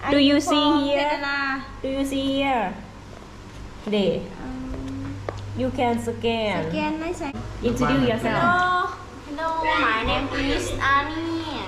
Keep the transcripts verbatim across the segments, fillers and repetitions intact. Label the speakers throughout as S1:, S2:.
S1: Do you see here Do you see here Day You can scan
S2: สแกนไม่ใช่
S1: Introduce yourself
S3: Hello, my name is Annie.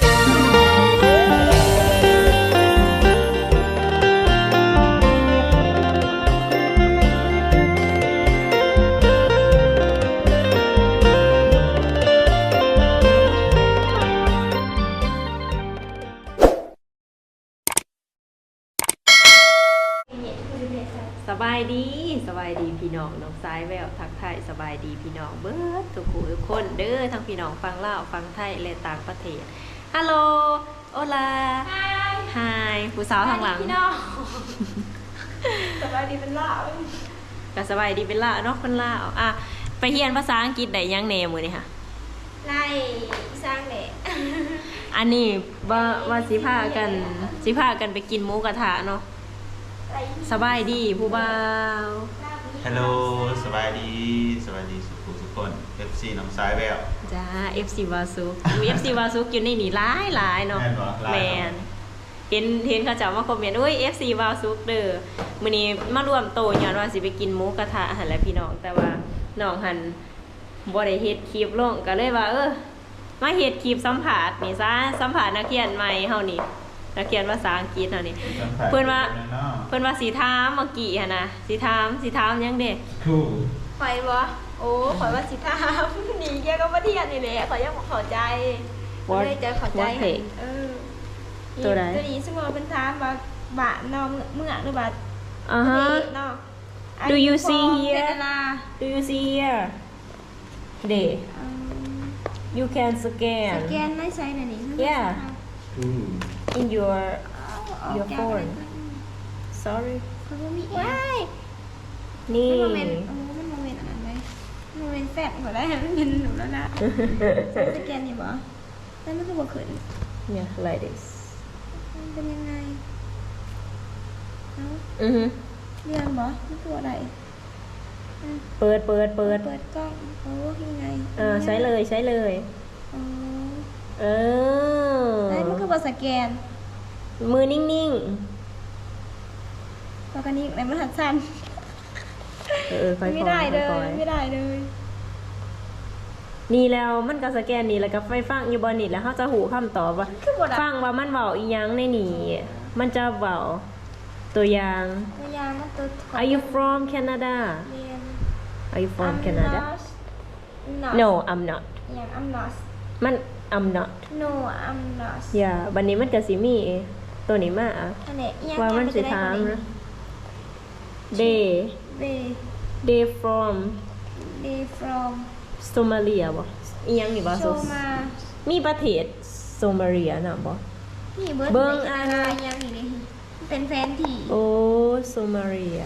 S1: สบายดีสบายดีพี่น้องน้องสายแววทักไทยสบายดีพี่น้องเบิร์ดทุกผู้ทุกคนเด้อทั้งพี่น้องฟังลาวฟังไทยและต่างประเทศฮัลโหลโอลาไฮผู้สาวทางหลัง
S2: พี่น้องสบายดีเป็นล่า
S1: ก็สบายดีเป็นลาวเนาะคนลาวอ่ะไปเรียนภาษาอังกฤษได้ยังแหน่มื้อนี้ค่ะ
S2: ไล่สร้างเด็ก
S1: อันนี้ว่าว่าสิพากันสิพากันไปกินหมูกระทะเนาะสบายดีผู้บ่าว
S4: ฮัลโหลสบายดีสบายดีสุขุทุกคน เอฟ ซี น้องสายแวว
S1: จ้า เอฟ ซี วาซุกมี เอฟ ซี วาซุกอยู่ในนี่หลายหลายเนาะ
S4: แม่นบ่หลาย
S1: แมนเห็นเห็นเขาจะมาคอมเมนต์อุ้ย เอฟ ซี วาซุกเด้อมื้อนี้มารวมโตย้อนว่าสิไปกินหมูกระทะหั่นแหละพี่น้องแต่ว่าน้องหันบ่ได้เฮ็ดคลิปลงก็เลยว่าเออมาเฮ็ดคลิปสัมภาษณ์นี่ซะสัมภาษณ์นักเรียนใหม่เฮานี่นักเรียนภาษาอังกฤษเฮานี่เพิ่นว่าเพิ่นว่าสิถามเมื่อกี้หั่นนะสิถามสิถามหยังเด้
S4: ครู
S2: ข่อยบ่โอ้ข่อยว่าสิทามหนีแกก็มาเที่ยวนี่แหละข่อยยังบ่เข้าใจเลยจะเข้าใจเออตัวนี้สมมติเป็นถามว่าบะนอเมื่อหรือบ่
S1: อ่าฮะ
S2: เนาะ
S1: Do you see here Do you see here Day You can
S2: ส
S1: scan
S2: แกนไม่ใช่น่ะนี่
S1: Yeah
S4: ครู
S1: in your
S2: เดี๋
S1: your phone sorry
S2: เขาบ่มีว้าย
S1: นี่
S2: มันโมเมนต์โอ้มันโมเมนต์อันนั้นเลยโมเมนต์แฟดหัวได้มันเป็นหนูแล้วนะสแกนนี่บ่แล้วมันก็บ่ขึ้น
S1: เนี่ย like this
S2: มันเป็นยังไงเอ้า
S1: อือฮึ
S2: เรียนบ่มันตัวอะไร
S1: เปิดเปิดเปิด
S2: เปิดกล้องโอ้ยังไง
S1: เออใช้เลยใช้เลย
S2: อ๋อ
S1: เออ
S2: ไอ้มันคือบ่สแกน
S1: มือนิ่ง
S2: ปกติไหนมันหัดสั่น
S1: ๆเออค่อยๆ
S2: ไม่ได้เลย
S1: ค่อยๆ
S2: ไม่ได้เลย
S1: นี่แล้วมันก็สแกนนี่แล้วก็ไฟฟังอยู่บนนี่แล้วเขาจะหูคำตอบว่า
S2: คือบ่ได้
S1: ฟังว่ามันเว้าอีหยังในนี่มันจะเว้าตัวอย่าง
S2: ตัวอย่างมันตัว
S1: Are you from Canada
S2: เรียน
S1: Are you from Canada
S2: not
S1: No I'm not
S2: อย่าง I'm not
S1: มัน I'm not
S2: no I'm not
S1: อย่าบัดนี้มันก็สิมีตัวนี้มาอ่ะ
S2: อันนี้อีหยัง
S1: ว่ามันสิถามนะ They
S2: they
S1: they from
S2: they from
S1: Somalia บ่อีหยังนี่บ่
S2: โชมา
S1: มีประเทศโซมาเลียน่ะบ่
S2: นี่เบิร์ด
S1: เบิ่ง
S2: ใน
S1: อ่ะ
S2: อะไรยังนี่นี่เป็นแฟนที่
S1: โอ้โซมาเลีย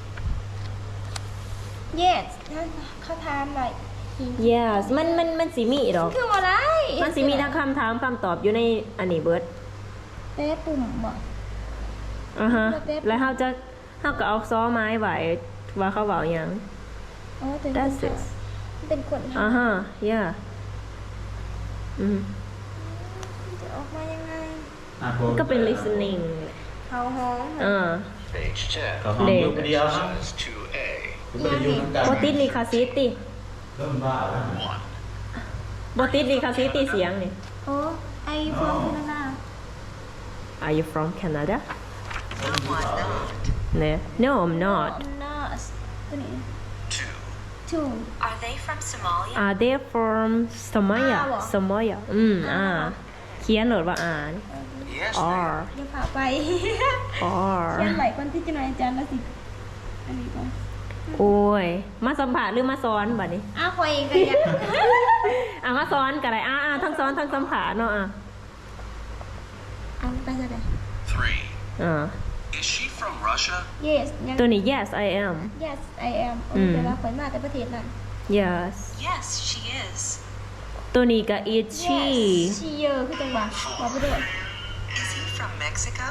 S2: yes เขาถามอะไร
S1: yes มันมันมันสิมีดอก
S2: คืออะไร
S1: มันสิมีทั้งคำถามคำตอบอยู่ในอันนี้เบิด
S2: เต้ปุ่มบ่
S1: อ่าฮะ
S2: แล้วเป๊ะ
S1: แล้วเฮาจะเฮาก็เอาซ้อไม้ไว้ว่าเขาเว้าหยัง
S2: อ๋อเป็น
S1: That's it
S2: เป็นคน
S1: อ่าฮะ yeah อืม
S2: จะออกมายังไง
S4: อ่ะผม
S1: ก็เป็น listening
S2: เขาห้อง
S1: อ่า
S5: Page ten.
S4: ก็ห้องลูกเดียวนะ
S5: Exercise two A.
S4: ผมไม่ได้อยู่ทั้งกัน
S1: บ่ติดลิขสิทธิ์ติ
S4: เริ่มบ้าแล้ว
S5: One.
S1: บ่ติดลิขสิทธิ์ติเสียงนี่
S2: โอ้ไอโฟนคือนา
S1: Are you from Canada
S5: Someone not.
S1: เนี่ย No I'm not
S2: นอสตัวนี้
S5: Two.
S2: ทู
S6: Are they from Somalia?
S1: Are they from Somalia
S2: อ่าเหรอ
S1: Somalia อืมอ่าเขียนโหนดว่าอ่าน
S5: Yes, they
S1: R
S2: เดี๋ยวพาไป
S1: R
S2: เขียนไหลคนที่จะหน่อยอาจารย์แล้วสิอันนี้ก่อน
S1: โอ้ย มาสัมผัสหรือมาซ้อนบัดนี้
S2: อ้าวคอยเองก็ยัง
S1: อ่ะมาซ้อนกันเลยอ่ะอ่ะทั้งซ้อนทั้งสัมผัสเนาะอ่ะ
S2: เอาไปจะได้
S5: Three.
S1: อ่า
S5: Is she from Russia?
S2: yes ยัง
S1: ตัวนี้ yes I am
S2: yes I am โอ้
S1: อืม
S2: เดี๋ยวเราคอยมาแต่ประเทศนั้น
S1: yes
S6: Yes, she is.
S1: ตัวนี้ก็ is she
S2: yes she เยอะคือจังหวะบอกไปด้วย
S6: Is he from Mexico?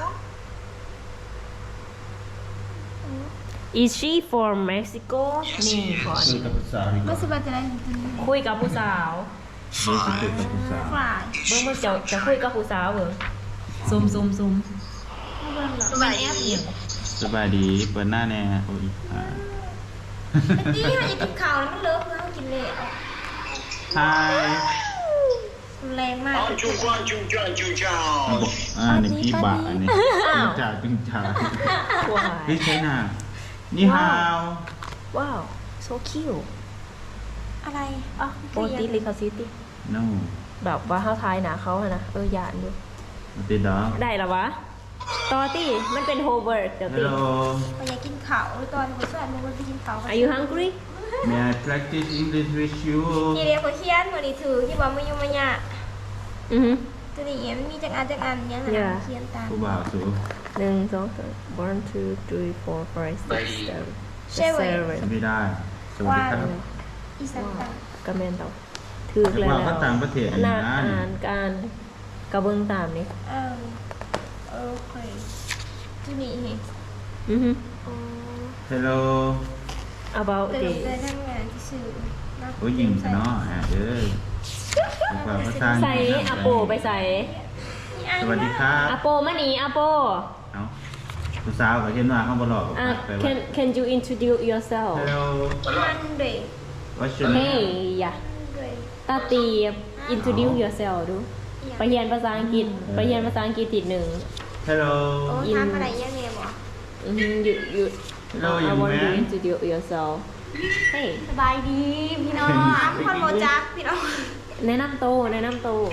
S1: is she from Mexico
S5: Yes,
S1: นี่
S5: he is.
S1: ก่อน
S4: คือกับภาษาดีก
S2: ไม่
S4: ว่า
S2: สบายจะได้จริง
S1: คุยกับผู้สาว
S4: ดูสิคือกับภาษา
S2: ๆฝ่าย
S5: Is
S1: เบิ่ง
S5: she
S1: เบิ่งจะ
S5: from
S1: จะคุยกับผู้สาวเบิ่งซุมซุมซุม
S2: มันแอบอยู่
S4: สบายดีเปิดหน้าแน่โอ้ยอ่า
S2: นี่มันจะกินข้าวแล้วมันเลิกแล้วกินเลย
S4: ฮาย
S2: แรงมาก
S5: จุงจ้าจุงจ้าจุงจ้า
S4: อ่ะบอกอ่าในพี่บะอันนี้จึงจ่าจึงจ่า
S1: ว้า
S4: เฮ้ย
S1: ย
S4: ใช่น่ะนี่ฮาว
S1: ว้าว so cute
S2: อะไร
S1: อ่ะโปรตีลิคาซิตี้
S4: no
S1: แบบว่าเขาทายหนาเขาอะนะเออหยานดู
S4: มาติดดอก
S1: ได้แล้ววะตอตี้มันเป็นโฮเวิร์ดเดี๋ยว
S4: ฮั
S1: ตี
S4: ลโหล
S2: ไปอยากกินข้าวตอนผมสอนมึงไปกินข้าว
S1: Are you hungry
S4: may I practice English with you
S2: นี่เรียกเขาเขียนมือนี่ถือที่ว่ามายุ่งมาหยา
S1: อือฮึ
S2: ตัวนี้มันมีจักอันจักอันเนี่ย
S1: Yeah
S2: เขียนตาม
S4: ผู้บ่าวสู
S1: หนึ่งสองสาม one two three four five six seven
S2: ใช่เว้ย
S1: seven
S4: ทำไม่ได้ สวัสดีครับ
S2: อีสานตาม
S1: กระแมนเราถือแล้ว
S4: ว่าเขาต่างประเทศ
S1: อันน่ะ
S4: นะนี่
S1: อ่านการกระเบื้องตามนี่
S2: อ้าวโอเคตัวนี้เห็น
S1: อือฮึ
S2: อ๋อ
S4: Hello
S1: about
S2: เติม
S1: the
S2: ได้ทั้งงานที่สื่อนะ
S4: โอ้ยยิงกันเนาะอ่ะเด้อภาษาภาษาอัง
S1: ใส่
S4: กฤษนะ
S1: อาโปไปใส่
S2: มีอัน
S4: สวัสดีครับ
S1: อาโปมานี่อาโป
S4: เอ้าผู้สาวก็เห็นว่าเขาบ่หลอก
S1: อ่ะ
S4: ไปว่า
S1: can can you introduce yourself
S4: Hello
S2: อันเดย์
S4: what's your
S1: Hey
S4: name
S1: อย่า
S2: เดย์
S1: ตาตี introduce yourself ดู ไปเรียนภาษาอังกฤษ ไปเรียนภาษาอังกฤษติดหนึ่ง
S4: Hello
S2: โอ้ทำอะไรยังไงบ่
S1: อือฮึ you you
S4: Hello
S1: I
S4: young
S1: want you
S4: man
S1: introduce yourself Hey
S3: สบายดีพี่น้อง
S2: ถามคนโมจักพี่น้อง
S1: แนะนำโตวแนะนำโตว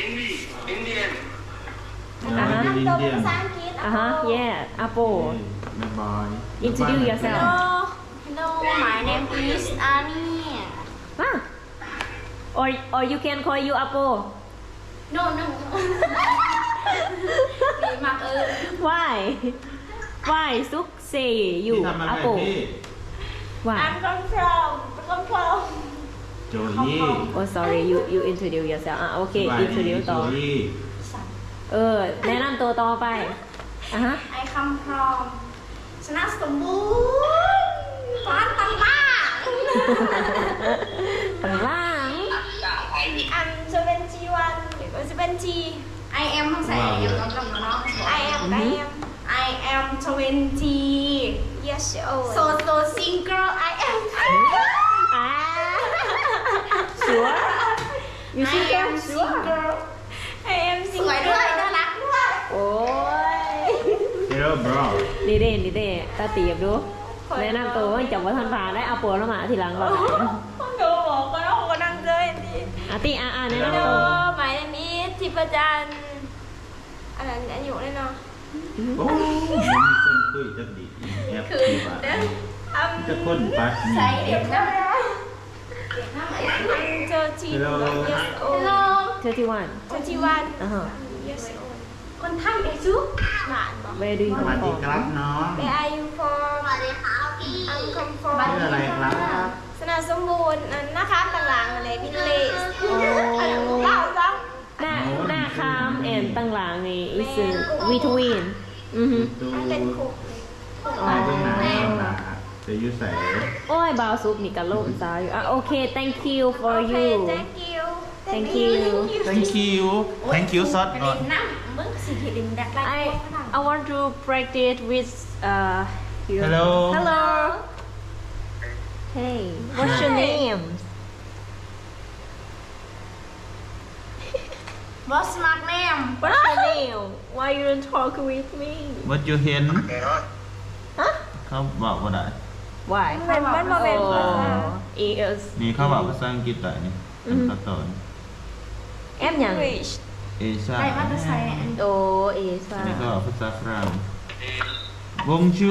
S4: Oh,
S1: อ่าฮะ
S4: you're
S2: ตัว
S4: Indian
S2: ภาษาอังกฤษ
S1: อ่ะฮะ yeah อาโป
S4: Hey, bye bye
S1: Introduce yourself
S3: Hello my name is Annie
S1: อ่ะ or or you can call you อาโป
S3: no no ดีมากเออ
S1: why why ซุกเซอยู่
S4: พี่ทำอะไร
S1: อาโป
S4: พี่
S1: why
S2: I'm come from come from
S4: โจยี่
S1: oh sorry you you introduce yourself อ่ะโอเค
S4: สบายดี
S1: introduce
S4: โจ
S1: ต่อ
S4: ยี่
S1: เออ แนะนำตัวต่อไปอ่ะฮะ
S3: I come from ชนะสมบูรณ์ฟ้านตังบ้า
S1: ข้างล่าง
S2: อันจะเป็น จี วันหรือว่าจะเป็น G
S3: I am ต้องใส่ I am ต้องกำเนาะ
S2: I am I am
S3: I am twenty
S2: yes old
S3: so so single I am
S1: อ่า sure you
S3: I
S1: see
S3: am
S1: sure
S3: single
S2: I am
S3: สวยด้วยน่ารักด้วย
S1: โอ้ย
S4: Hello bro
S1: ดีเด่นดีเด่นตาตีบดู แนะนำตัวว่าจับว่าทันผ่านได้เอาปัวแล้วมาทีหลังก่อน
S2: ผมก็บอกก็ต้องก็นั่งเจอเห็นดี
S1: อาตีอาอาแนะ
S2: ฮัล
S1: นำ
S2: โหล
S1: ตัว
S2: หมายเลขนี้ทิพจันทร์อันนั้นอายุเลยเนาะ
S4: โอ้ยมันมีคนคุยจักดีแอปที่ว่า
S2: อัน
S4: จะคนปัดนี่
S3: ใส่เด็กนะเด็กนะ
S2: อันเจอจีน
S4: Hello
S2: yes
S3: Hello
S2: old
S1: เธอที่วัน
S2: twenty one
S1: อ่าฮะ
S2: yes old
S3: คนไทยเอซู
S2: หลานบอก
S1: Where do you
S4: สวัส
S1: come
S4: ดี
S1: from
S4: ครับน้อง
S2: Where are you from
S3: สวัสดีครับพี่
S2: I'm come from
S4: ชื่ออะไรครับ
S2: สนาสมบูรณ์อันนะคะต่างๆอะไรวินเลส
S1: โอ้
S2: อันเล่าซ้
S1: หน้าหน้าคามแอนตั้งหลังนี่ is between อือฮึ
S4: ตู
S2: ำมันเป็นคุก
S4: ตายเบื้องหน้าเบื้องหลังจะอยุ่ใส่
S1: โอ้ยบาวซุปนี่กะโลมซาอยู่อ่ะโอเค thank you for
S2: โอเค
S1: you
S2: thank you
S1: Thank you
S4: thank you thank you ซอสก่อน
S3: นั่งมึงสิเห็นดักไล่
S1: I I want to practice with uh you.
S4: Hello
S1: Hello Hey what's your name
S3: What's my name
S1: What's your name Why you don't talk with me
S4: what you เห็น
S1: ฮะ
S4: เขาบอกว่าได้
S1: Why
S2: มันมันมาเป็น
S1: Oh is
S4: นี่เขาบอกภาษาอังกฤษแต่นี่เป็นภาษา
S1: แอมหยัง
S2: English
S4: เอซ่า
S3: ไอ้มาจะใส่อัน
S1: โอเอซ่า
S4: อันนี้ก็ภาษาฝรั่งบงชู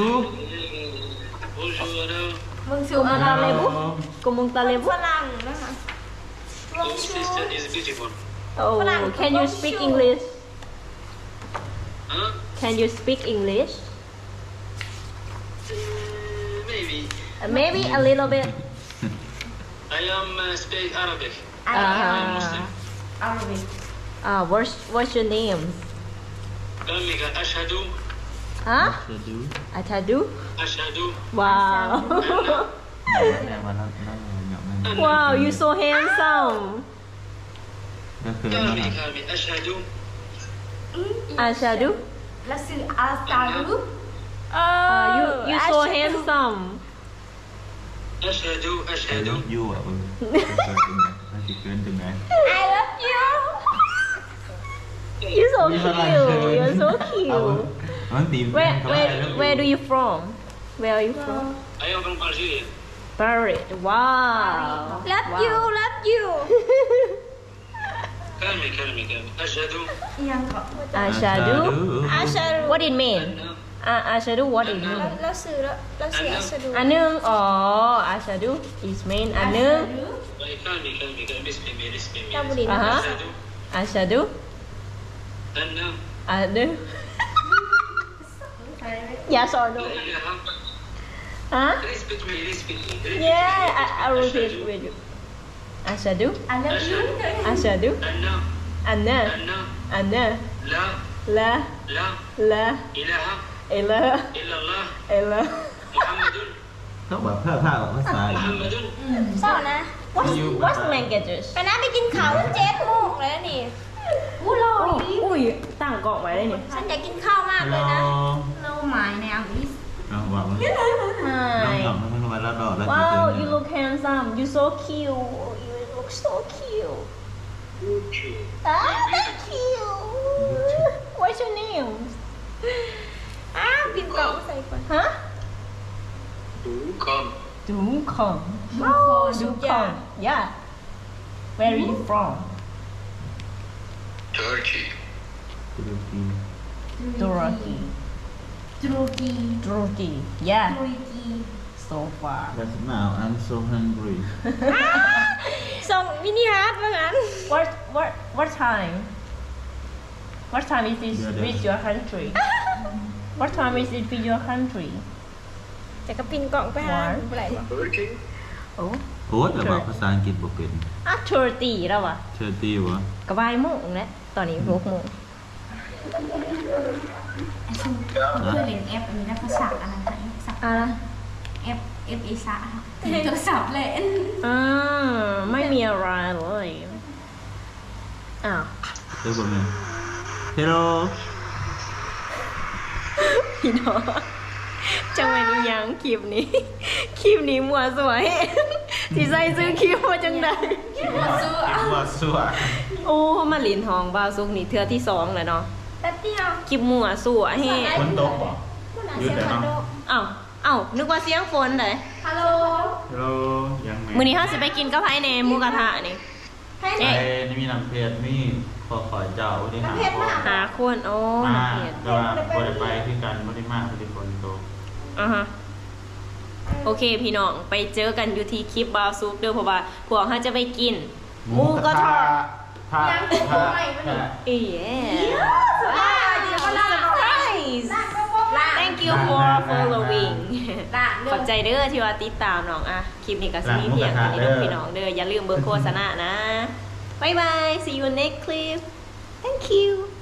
S1: มึงสูอาตาเลบุกุมงตาเลบุ
S2: ฝรั่งนะคะลงชู
S1: Oh can you speak English Can you speak English
S7: Maybe.
S1: Uh, Maybe a little bit
S7: I am uh, speak Arabic.
S1: uh,
S3: เอาเลย
S1: uh, what's what's your name
S7: Kamika ashhadu
S1: Huh
S4: จะดู
S1: Atadu
S7: ashhadu
S1: Wow
S4: แต่ว่าเราเราหยอกนั่น
S1: Wow you so handsome
S4: ก็คือนั่นแหละ
S7: kami kami ashhadu
S1: Ashadu
S3: แล้วซื้ออาสตารู
S2: เอ
S1: Uh, you you so
S2: อาชาดู
S1: handsome
S7: أشهد
S4: ไอ้
S7: أشهد
S4: ลูกยูอ่ะเออเกินตรงไหนน่าจะเกินตรงไหน
S2: I love you
S1: you so
S4: Như
S1: cute
S4: thế này.
S1: you're so
S4: เอา
S1: cute
S4: มันตีม
S1: where
S4: เขาว่า
S1: where
S4: ไอ้ลูก
S1: where do you from where are you from
S7: I am from Algeria.
S1: Paris wow
S2: love
S1: Wow.
S2: you love you
S7: كلمي كلمي كلمي أشهد
S3: ยังก็
S1: Ashadu
S2: อาชาดู
S1: what it mean
S7: أن
S1: อ่า Ashadu what it mean
S2: เราเราซื้อแล้วเราซื้ออาชาดู
S1: อันหนึงอ๋อ Ashadu is mean อันหนึง
S7: كلمي كلمي كلمي اسمي اسمي
S2: เราบุรี
S1: อ่า
S2: นะ
S1: ฮะ
S7: أشهد
S1: Ashadu
S7: أن
S1: อันหนึงอย่าสอนหนู
S7: لا إله
S1: ฮะ
S7: Respect me, respect me.
S1: yeah I I repeat with you Ashadu
S3: อันนี้ยู
S1: Ashadu
S7: أن
S1: อันน่ะ
S7: أن
S1: อันน่ะ
S7: لا
S1: ละ
S7: لا
S1: ละ
S7: إله
S1: เอละ
S7: إلا الله
S1: เอละ
S7: محمد
S4: ต้องแบบผ้าผ้าแบบภาษา
S7: محمد
S2: เศร้านะ
S1: what's what's languages
S2: ไปนะไปกินข้าวเจ็ดโมงแล้วนี่อู้รอ
S1: โอ้
S2: ดี
S1: อุ้ยตั้งกล่องไว้ได้นี่
S2: ฉันอยากกินข้าวมาก
S4: ฮัล
S2: เล
S4: โหล
S2: ยนะ
S3: เราหมายในอังกฤษ
S4: เอาบอกมันน้อง
S1: Hi
S4: หยองมันมาแล้วดอกแล้ว
S1: wow you look handsome you so cute you look so cute ah thank you what's your name
S2: อ้าวปิดกล่องใส่ก่อน
S1: ฮะ
S7: Come.
S1: ดูคอง
S2: โอ้
S1: ดูคอง yeah where are you from
S7: Turkey.
S4: ตุรกี
S1: Turkey
S3: ตุรกี
S1: Turkey yeah
S3: ตุรกี
S1: so far
S4: That's now I'm so hungry
S2: ส่งมินิฮาร์ดว่างั้น
S1: what what what time what time is it
S4: Yeah, yeah.
S1: with your country what time is it with your country
S2: แต่ก็ปินกล่องไปหา
S1: One.
S2: อะไรวะ
S7: Turkey.
S1: โอ้
S4: โค้ดแล้วบอกภาษาอังกฤษบอกเป็น
S1: อ่ะthirty แล้ววะ
S4: เชอร์ตี้วะ
S1: กระบายโมงแล้วตอนนี้หกโมง
S3: ไอ้ชูเพื่อเล่นแอปอันนี้นะภาษาอะไรนะสับ
S1: อะไร
S3: แอปเอฟเอซ่าโทรศัพท์เล่น
S1: อ่าไม่มีอะไรเลยอ้าว
S4: เรียกว่าไง Hello
S1: พี่น้องจังหวะนี้ยังคลิปนี้ คลิปนี้มัวสวยสิใส่ซื้อคลิปมาจังใด
S3: มาสู้
S4: คิดว่าสั่ว
S1: โอ้มาลินทองบาวซุกนี่เทือที่สองเลยเนาะ
S2: แป๊บเดียว
S1: คลิปมัวสวยแฮะ
S4: คนตกบ่
S2: คุณอา
S4: หยุด
S2: เซีย
S4: แล้ว
S2: น
S4: เนาะ
S2: โด
S1: อ้าวอ้าวนึกว่าเสียงฝนเลย
S2: ฮัลโหล
S4: Hello ยังไง
S1: มื้อนี้เฮาสิไปกินกับไผในหมูกระทะนี่
S2: ให้
S1: เอ๊ะ
S4: ไอ้นี่มีน้ำเพชรมีขอขอเจ้าที่หาพ่อ
S1: หาคนโอ้
S4: มา
S1: นักเรียน
S4: แต่ว่าบ่ได้ไปคือกันบ่ได้มาบ่ได้คนโต
S1: อ่าฮะโอเคพี่น้องไปเจอกันอยู่ที่คลิปบาวซุกเด้อเพราะว่าพวกเขาจะไปกินหมูกระทะ
S4: ถ้าถ้าถ้า
S1: เอ๊ะว้าวเดี๋ยวมา surprise thank you for following
S3: ด่า
S1: ขอบใจเด้อที่ว่าติดตามน้องอะคลิปนี้ก็สิมีเพียงเท่านี้เด้อพี่น้องเด้ออย่าลืมเบอร์โฆษณานะ บ๊ายบาย see you next clip thank you